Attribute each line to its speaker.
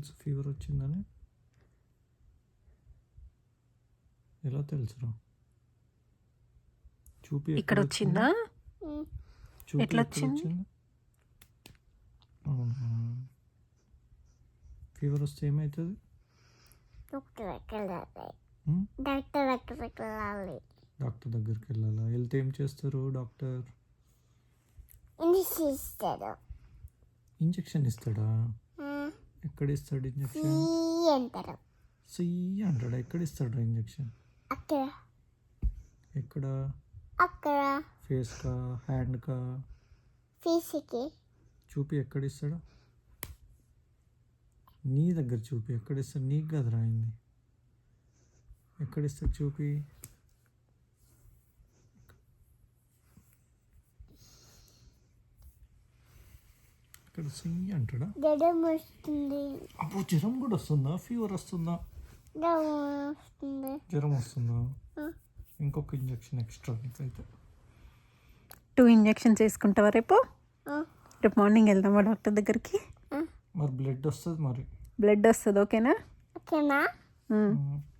Speaker 1: తెలుసు ఫీవర్ వచ్చిందని? ఎలా తెలుసురా? చూపి
Speaker 2: ఇక్కడ వచ్చిందా?
Speaker 1: చూపి
Speaker 2: ఎట్లా వచ్చింది?
Speaker 1: అవునా, ఫీవర్ వస్తే ఏమవుతుంది?
Speaker 3: డాక్టర్ దగ్గరికి వెళ్ళాలి.
Speaker 1: డాక్టర్ దగ్గరికి వెళ్ళాలా? వెళ్తే ఏం చేస్తారు డాక్టర్? ఇంజెక్షన్ ఇస్తాడా? ఎక్కడ ఇస్తాడు ఇంజెక్షన్? సి అంటాడా? ఎక్కడ ఇస్తాడు ఇంజెక్షన్? ఎక్కడ? ఫేస్కా, హ్యాండ్కా?
Speaker 3: ఫేస్కి.
Speaker 1: చూపి ఎక్కడ ఇస్తాడు? నీ దగ్గర చూపి ఎక్కడ ఇస్తాడు? నీకు కదా రాయింది, ఎక్కడ ఇస్తాడు చూపి? ఇక్కడ సి అంటాడా?
Speaker 3: జ్వరం వస్తుంది.
Speaker 1: అప్పుడు జ్వరం కూడా వస్తుందా? ఫీవర్ వస్తుందా? జ్వరం వస్తుందా? ఇంకొక ఇంజెక్షన్ ఎక్స్ట్రా నీకైతే.
Speaker 2: 2 ఇంజెక్షన్స్ వేసుకుంటావా రేపు? రేపు మార్నింగ్ వెళ్దామా డాక్టర్ దగ్గరికి?
Speaker 1: మరి బ్లడ్ వస్తుంది, మరి
Speaker 2: బ్లడ్ వస్తుంది. ఓకేనా?
Speaker 3: ఓకేనా?